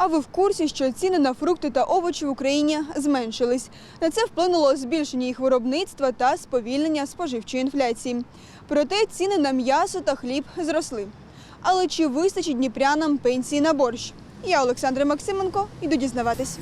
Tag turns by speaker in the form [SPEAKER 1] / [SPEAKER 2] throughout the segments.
[SPEAKER 1] А ви в курсі, що ціни на фрукти та овочі в Україні зменшились? На це вплинуло збільшення їх виробництва та сповільнення споживчої інфляції. Проте ціни на м'ясо та хліб зросли. Але чи вистачить дніпрянам пенсії на борщ? Я, Олександра Максименко, йду дізнаватись.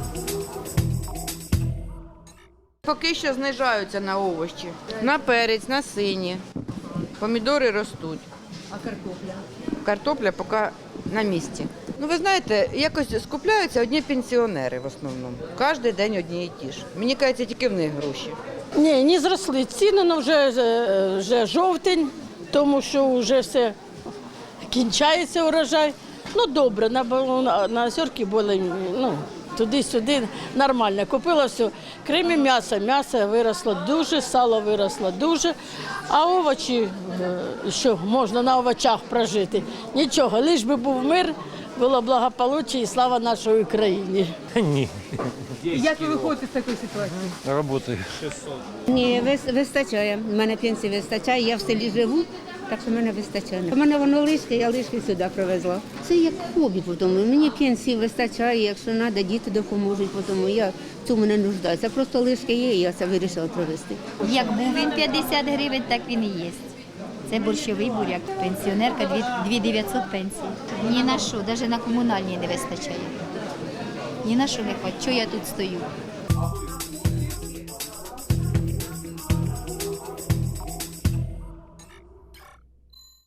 [SPEAKER 2] Поки що знижаються на овочі, на перець, на сині. Помідори ростуть.
[SPEAKER 3] А картопля?
[SPEAKER 2] Картопля поки на місці. Ну, ви знаєте, якось скупляються одні пенсіонери в основному. Кожен день одні і ті ж. Мені кажеться, тільки в них гроші.
[SPEAKER 4] Ні, не зросли ціни, але вже жовтень, тому що вже все кінчається урожай. Ну, добре, на озерки були, туди-сюди нормально. Купила все, крім м'ясо виросло дуже, сало виросло дуже, а овочі, що можна на овочах прожити, нічого, лиш би був мир, було благополуччя і слава нашій Україні.
[SPEAKER 5] Ні,
[SPEAKER 3] Як ви виходите з такої ситуації?
[SPEAKER 5] роботи.
[SPEAKER 6] Ні, вистачає. У мене пенсії вистачає, я в селі живу, так що в мене вистачає. У мене воно лишки, я лишки сюди привезла. Це як хобі, тому мені пенсії вистачає, якщо треба, діти допоможуть, тому я в цьому не нуждаюся. Просто лишки є, і я це вирішила привезти.
[SPEAKER 7] Як був він 50 гривень, так він і є. Це борщовий буряк. Пенсіонерка 2900 пенсії. Ні на що, навіть на комунальні не вистачає. Ні на що не хватить. Чого я тут стою?